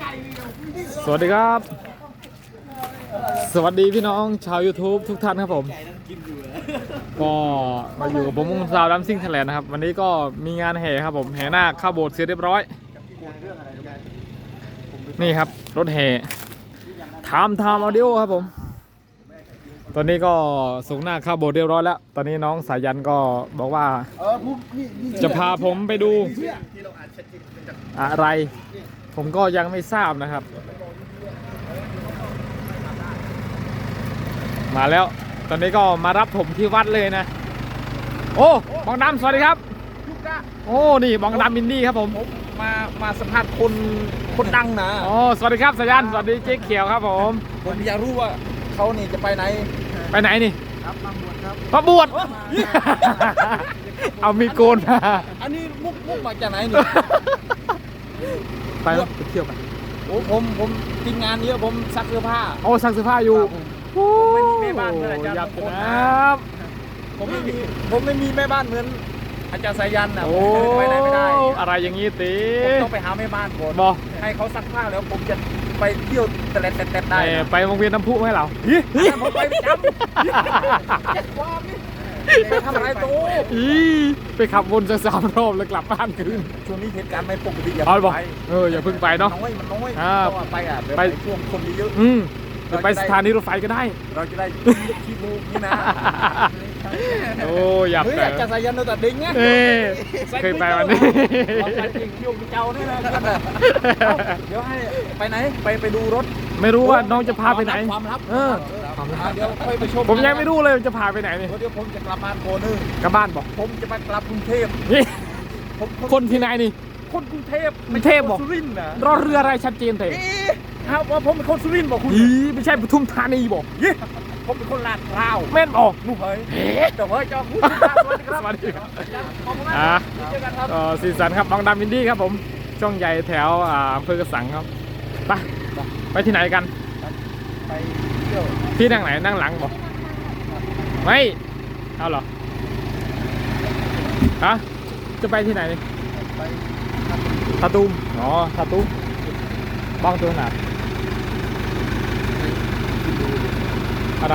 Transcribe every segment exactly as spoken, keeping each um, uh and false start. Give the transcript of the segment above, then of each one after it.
สวัสดีครับ สวัสดีพี่น้องชาว YouTube ทุกท่านครับผมก็มาอยู่กับผมมุงซาวดัมซิ่งไทยแลนด์นะครับวันนี้ก็มีงานแห่ครับผมแห่นาคเข้าโบสถ์เสร็จเรียบร้อยนี่ครับรถแห่ทำทำออดิโอครับผมตอนนี้ก็ส่งหน้าเข้าโบสถ์เรียบร้อยแล้วตอนนี้น้องสายันก็บอกว่าจะพาผมไปดูอะไรผมก็ยังไม่ทราบนะครับมาแล้วตอนนี้ก็มารับผมที่วัดเลยนะโอ้บองดำสวัสดีครับโอ้นี่บองดำมินดี้ครับผมมามาสัมภาษณ์คนคนดังนะโอ้สวัสดีครับสายันสวัสดีเจ๊เขียวครับผมผมอยากรู้ว่าเขานี่จะไปไหนไปไหนนี่ครับมาบวชครับมาบวชเอามีโกนมาอันนี้มุกมุกมาจากไหนนี่ไปไปเที่ยวไปโอ้ผมผมทีมงานเยอะผมซักเสื้อผ้าโอ้ซักเสื้อผ้าอยู่ผมไม่มีแม่บ้านเหมือนอาจารย์มงคลครับผมไม่มีผมไม่มีแม่บ้านเหมือนอาจารย์สายันนะผมไปไหนไม่ได้อะไรอย่างงี้ตีผมต้องไปหาแม่บ้านก่อนบอกให้เขาซักผ้าแล้วผมจะไปเที่ยวแต่ละแต่ได้ไปวงเวียนน้ำพุให้เราผมไปประจำไปทำอะไรโตไปขับวนสักสามรอบแล้วกลับบ้านคืนช่วงนี้เหตุการณ์ไม่ปกติอย่าไปเอออย่าเพิ่งไปเนาะน้อยมันน้อยไปอ่ะไปช่วงคนเยอะอืมจะไปสถานีรถไฟก็ได้เราจะได้ขี้มูกนี่นะโอ้อยากไปจะใส่ยันโนตัดดิ้งไงเคยไปวันนี้ไปจริงยุ่งเจ้านี่นะเดี๋ยวให้ไปไหนไปไปดูรถไม่รู้ว่าน้องจะพาไปไหนความลับเออเดี๋ยวค่อยไปชมผมยังไม่รู้เลยจะพาไปไหนนี่เดี๋ยวผมจะกลับบ้านโกนึงกลับบ้านบอกผมจะไปกลับกรุงเทพนี่คนที่ไหนนี่คนกรุงเทพไม่เทพบอกรอเรืออะไรชัดเจนเถอะครับว่าผมเป็นคนสุรินทร์บอกคุณไม่ใช่ปทุมธานีบอกยี่ผมเป็นคนลาดพร้าวแม่นออกลูกเฮ้ยเจ้าเฮ้ยเจ้าพูดสวัสดีครับอ่าก็สีสันครับบางดำอินดี้ครับผมช่องใหญ่แถวอำเภอกระสังครับไปไปที่ไหนกันไปเที่ยวที่นั่งไหนนั่งหลังบอกไม่เอาหรอฮะจะไปที่ไหนนี่ไปทาตูมอ๋อทาตูมบ้างตัวไหนอะไร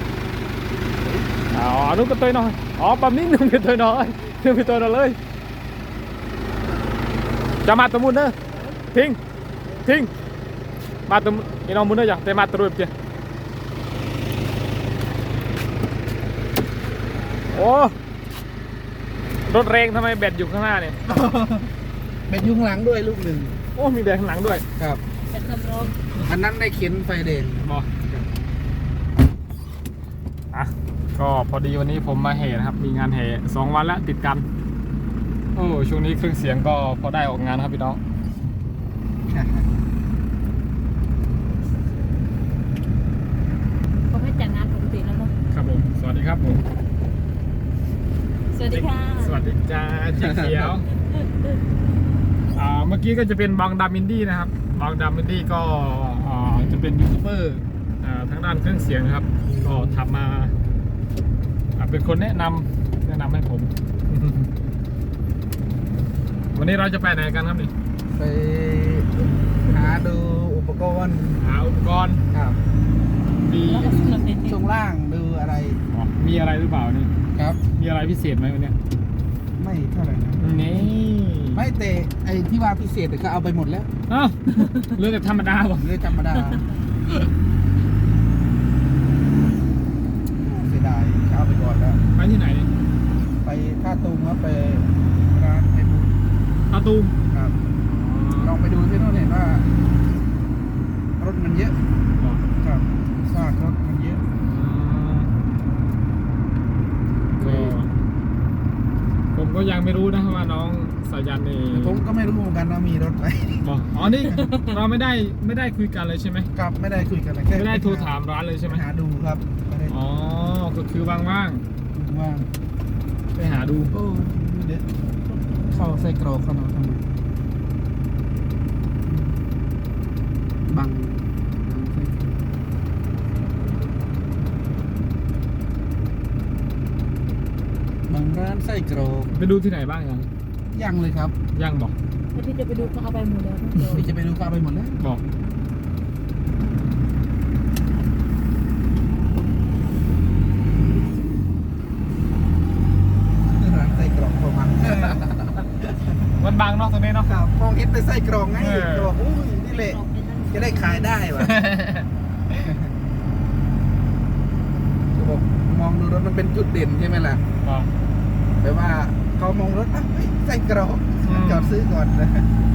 อ๋อนุ๊กก็ตัวน้อยอ๋อปั๊มนี้นึงเป็นตัวน้อยนึงเป็นตัวน้อยเลยจะมาตัวมุนเนอะทิ้งทิ้งมาตัวนี่น้องมุนเนอะอย่างแต่มาตัวรูปเจ้าโอ้รถแรงทำไมแบตอยู่ข้างหน้าเนี่ยแบตอยู่ข้างหลังด้วยลูกหนึ่งโอ้มีแบตข้างหลังด้วยครับอันนั้นได้เข็นไฟแดงบออ่ะก็พอดีวันนี้ผมมาแห่นะครับมีงานแห่สองวันแล้วติดกันโอ้ช่วงนี้เครื่องเสียงก็พอได้ออกงานครับพี่น้องเขาให้จัดงานปกติแล้วเนาะครับผมสวัสดีครับผมสวัสดีค่ะสวัสดีจ้าเจ๊เขียวอ่าเมื่อกี้ก็จะเป็นบางดามินดี้นะครับบางดามินดี้ก็จะเป็นยูทูบเบอร์ทางด้านเครื่องเสียงนะครับก็ทำมาเป็นคนแนะนำแนะนำให้ผม วันนี้เราจะไปไหนกันครับนี่ไปหาดูอุปกรณ์หาอุปกรณ์ครับมีช่วงล่างดูอะไรมีอะไรหรือเปล่านี่ครับมีอะไรพิเศษไหมวันนี้ไม่เท่าไหร่นะนี่ไม่แต่ไอที่ว่าพิเศษเขาเอาไปหมดแล้วอ้าวเรื่องแต่ธรรมดาบ่เรื่องธรรมดาเสียดายเอาไปก่อนแล้วไปที่ไหนไปท่าตูมครับไปร้านไอบุญท่าตูมครับลองไปดูที่โน่นเห็นว่ารถมันเยอะครับซากรถมันเยอะผมก็ยังไม่รู้นะว่าน้องสายันนี่ผมก็ไม่รู้เหมือนกันว่ามีรถไหมอ๋อนี่เราไม่ได้ไม่ได้คุยกันเลยใช่ไหมครับไม่ได้คุยกันเลยไม่ได้โทรถามร้านเลยใช่ไหมหาดูครับอ๋อก็คือว่างว่างว่างไปหาดูเดี๋ยวเข้าใส่กรอกเข้ามาทำไมบังบางร้านไส้กรอกไปดูที่ไหนบ้างยังยังเลยครับยังบอกผแล้วพี่จะไปดูเขาเอาไปหมดแล้วทั้งตัวพี่จะไปดูฟ้าไปหมดแล้วบอกร้านไส้กรอกโทรมามันบางเนาะตรงนี้เนาะครับมองเห็นเป็นไส้กรอกไงเออก็บอกอุ้ยนี่แหละจะได้ขายได้วะก็บอกมองดูรถมันเป็นจุดเด่นใช่ไหมล่ะบอกแปลว่าเขามองรถอ่ะเฮ้ยไส้กรอกอืมจอดซื้อก่อนนะ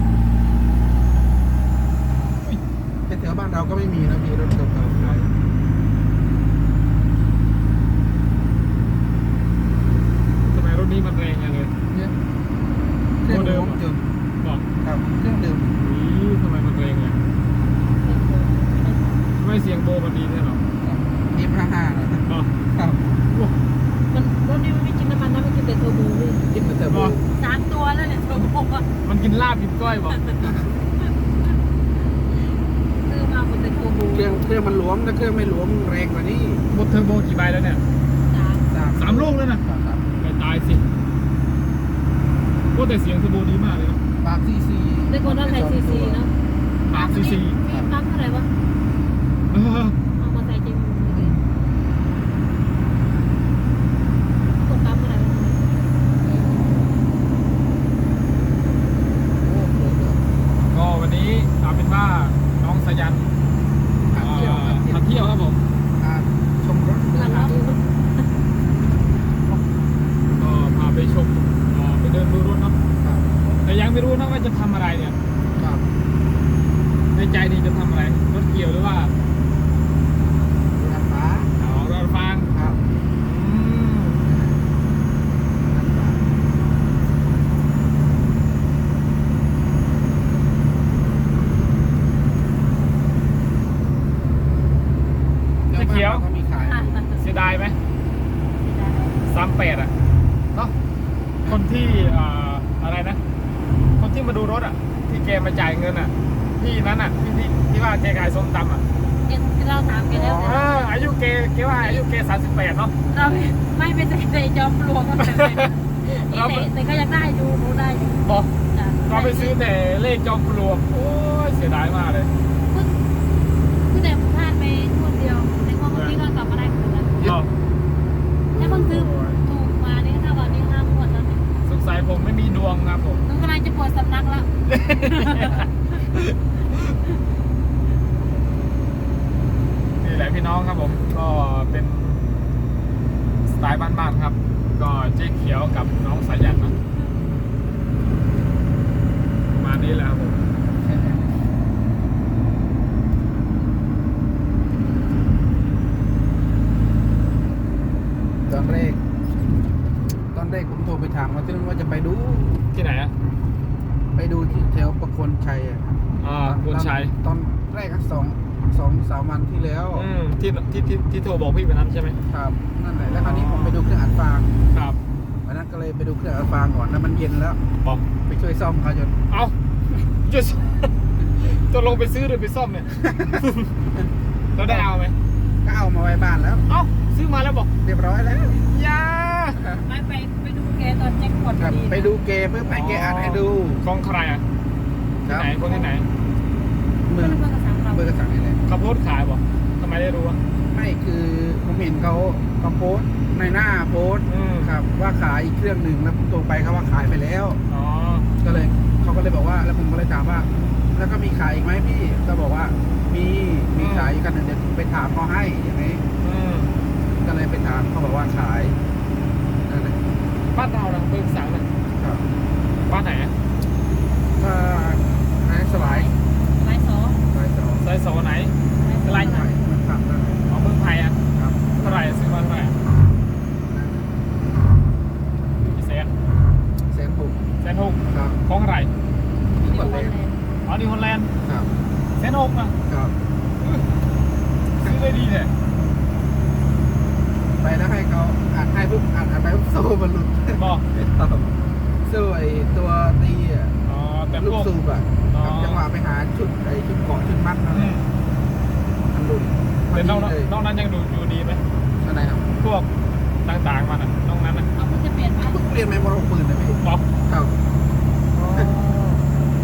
เป็นแถวบ้านเราก็ไม่มีนะมีรถเก่าๆขายทำไมรถนี้มันแรงอย่างเลยเนี่ยเครื่องโมเดิมรถอะยนต์บอกครับเครื่องเดิมนี่ทำไมมันแรงอย่างทำไมเสียงโบมันดีแน่หรอเอฟห้าห้าบอกครับมันรถนี้มันไม่กินน้ำมันนะมันกินแต่เทอร์โบเลยคิดเหมือนเทอร์โบสามตัวแล้วเนี่ยเทอร์โบอะมันกินลาบกินก้อยบอกซื้อมาหมดแต่เทอร์โบเครื่องเครื่องมันหลวมถ้าเครื่องไม่หลวมแรงกว่านี้หมดเทอร์โบกี่ใบแล้วเนี่ยสามสามสามลูกแล้วนะสามสามไม่ตายสิโอ้แต่เสียงเทอร์โบดีมากเลยเนาะปากซีซีได้คนละไทยซีซีเนาะปากซีซีมีปั๊มเท่าไหร่วะเออเอามาใส่เจมูกเลยกดปั๊มเท่าไหร่วะโอ้โหก็วันนี้เอาเป็นว่าน้องสยันทางเที่ยวเอ่อมาเที่ยวครับผมอ่าชมรถเดิพันนทางล้อดูรถก็พาไปชมเอ่อไปเดินดูรถเนาะครับแต่ยังไม่รู้นะว่าจะทำอะไรเนี่ยครับในใจดีจะทำอะไร รถเกี่ยวหรือว่าดูทางฟ้าเอารถฟางครับอืมทางฟ้าเจ๊เขียวก็มีขายอยู่เสียดายไหมสามแปดอ่ะเนาะคนที่เอ่ออะไรนะ คนที่มาดูรถอ่ะ ที่แกมาจ่ายเงินอ่ะพี่นั้นอ่ะที่ที่ที่ว่าแกขายส้มตำอ่ะเราถามแกแล้วเอออายุเกเกว่าอายุเกสามสิบแปดเนาะเราไม่ไปใส่ในจอมปลวกกันเลยแต่แต่ก็ยังได้อยู่รู้ได้อยู่บอกจ้ะก็ไปซื้อแต่เลขจอมปลวกโอ้ยเสียดายมากเลยเพิ่งเพิ่งแต่พลาดไปคนเดียวในความเมื่อกี้ก็กลับมาได้คืนแล้วก็ถ้าเพิ่งซื้อถูกมานี่ถ้าวันนี้ห้ามหมดแล้วเนี่ยสงสัยผมไม่มีดวงครับผมน้องกำลังจะปวดสำนักแล้วนี่แหละพี่น้องครับผมก็เป็นสไตล์บ้านๆครับ ก็เจ๊เขียวกับน้องสายันนะประมาณนี้แหละครับผมตอนแรก ตอนแรกผมโทรไปถามว่าที่นั่นว่าจะไปดูที่ไหนอ่ะไปดูที่แถวประโคนชัยอะครับอ่าคุณชัยตอนแรกก็สองสองสามวันที่แล้วอืมที่ที่ที่ที่โทรบอกพี่วันนั้นใช่ไหมครับนั่นแหละแล้วคราวนี้ผมไปดูเครื่องอัดฟางครับวันนั้นก็เลยไปดูเครื่องอัดฟางก่อนแล้วมันเย็นแล้วบอกไปช่วยซ่อมเขาจนเอาจะจะลงไปซื้อหรือไปซ่อมเนี่ย เราได้เอาไหมก็เอามาไว้บ้านแล้วเอาซื้อมาแล้วบอกเรียบร้อยแล้วอยาไม่ไปไปดูแกตอนแจ็คพอตครับดีไปดูเกมเพื่อไปแกอัดให้ดูของใครอ่ะคที่รับไหนคนที่ไหนเมืเพื่ออง นเพื่อนกระสังเราเบอร์กระสังนี่แหละเขาโพสต์ขายบอกทำไมได้รู้อ่ะไม่คือผมเห็นเขาเขาโพสต์ในหน้าโพสต์อืมครับว่าขายอีกเครื่องหนึ่งแล้วผมโทรไปเขาว่าขายไปแล้วอ๋อก็เลยเขาก็เลยบอกว่าแล้วผมก็เลยถามว่า แล้วก็มีขายอีกไหมพี่ก็บอกว่ามีมีขายอีกกันหนึ่งเดี๋ยวไปถามเขาให้อย่างนี้อืมก็เลยไปถามเขาบอกว่าขายนั่นแหละบ้านเรานะเบิกสังนะครับ บ้านไหนอ่ะก็นายสวายไม้สองสวายสองซอยโซไหนไม้สองไล่มันขับนั่นแหละอ๋อเมืองไทยอ่ะครับเท่าไหร่ซื้อมาเท่าไหร่กี่แสนเซนบุกแสนหกครับของอะไรที่ที่กวัดนเลเลย ยอ๋อนิวฮอลแลนด์ครับแสนหกอ่ะครับอื้อซื้อได้ดีเลยไปแล้วให้เขาอัดให้ปุ๊บอัดอัดไปปุ๊บโซ่มันหลุดบอกครับโซ่ไอ้ตัวตีอ่ะอ๋อแต่ลูพกวกสูบอ่ะอ๋อครับจังหวะไปหาชุดไอ้ชุดเกาะชุดมัดนั่นอืแหละมมันหลุดแต่นอกพนั้นดีเลยนอกนั้นยังดูอยู่ดีไหมอันไหนครับพวกต่างๆมันอ่ะนอกนั้นอ่ะเอาเพิ่งจะเปลี่ยนไหมเพิ่งเปลี่ยนไปหมดหกหมื่นเลยพี่บอกครับอ๋อ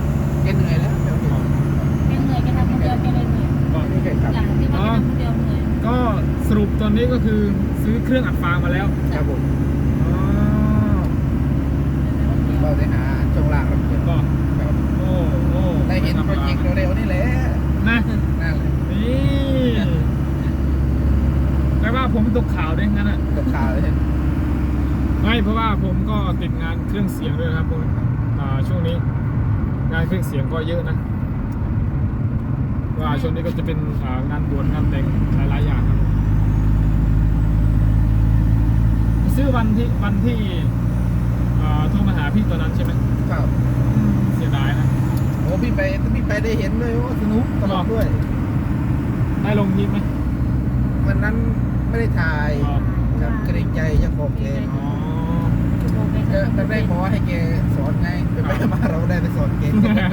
ก็คือซื้อเครื่องอัดฟางมาแล้วครับผมอ๋อเราได้หาช่วงล่างเราเก็บก็ครับโอ้โอ้ได้เห็นโปรเจกต์เร็วๆนี่แหละนะนั่นแหละนี่แปลว่าผมตกข่าวด้วยงั้นอ่ะตกข่าวเลยไม่เพราะว่าผมก็ติดงานเครื่องเสียงด้วยนะครับผมอ่าช่วงนี้ งานเครื่องเสียงก็เยอะนะว่าช่วงนี้ก็จะเป็นอ่างานบวชงานแต่งหลายๆอย่างครับผมซื้อวันที่วันที่อ่าโทรมาหาพี่ตอนนั้นใช่ไหมครับอืมเสียดายนะโอ้พี่ไปพี่ไปได้เห็นเลยว่าสนุกตลอดด้วยได้ลงคลิปไหมวันนั้นไม่ได้ถ่ายอ๋อครับเกรงใจเจ้าของแกอ๋อเออแต่ได้ขอให้แกสอนไงไปไปมาเราได้ไปสอนแก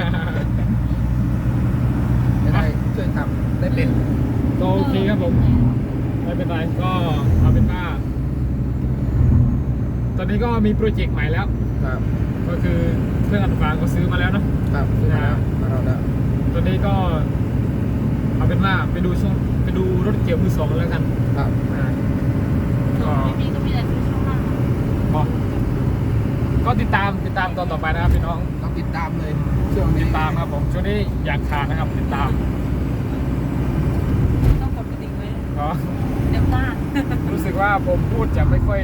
จะได้ช่วยทำได้เป็นก็โอเคครับผมไม่เป็นไรก็เอาเป็นว่าตอนนี้ก็มีโปรเจกต์ใหม่แล้วครับก็คือเครื่องอัดฟางก็ซื้อมาแล้วเนอะครับซื้อมาแล้วมาเราแล้วตอนนี้ก็เอาเป็นว่าไปดูช่วงไปดูรถเกี่ยวมือสองกันแล้วกันครับอ่าก็นี่ก็มีแต่ซื้อช่องล่างก็ก็ติดตามติดตามตอนต่อไปนะครับพี่น้องต้องติดตามเลยช่วงนี้ติดตามครับผมช่วงนี้อยากขาดนะครับติดตามต้องกดกระดิ่งไว้ก็เดี๋ยวพลาดรู้สึกว่าผมพูดจะไม่ค่อย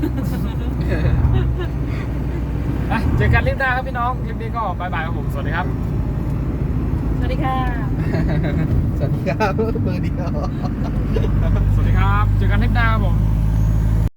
อ่ะเจอกันคลิปหน้าครับพี่น้องคลิปนี้ก็บายบายครับผมสวัสดีครับสวัสดีค่ะสวัสดีครับเบอร์เดียวสวัสดีครับเจอกันคลิปหน้าครับผม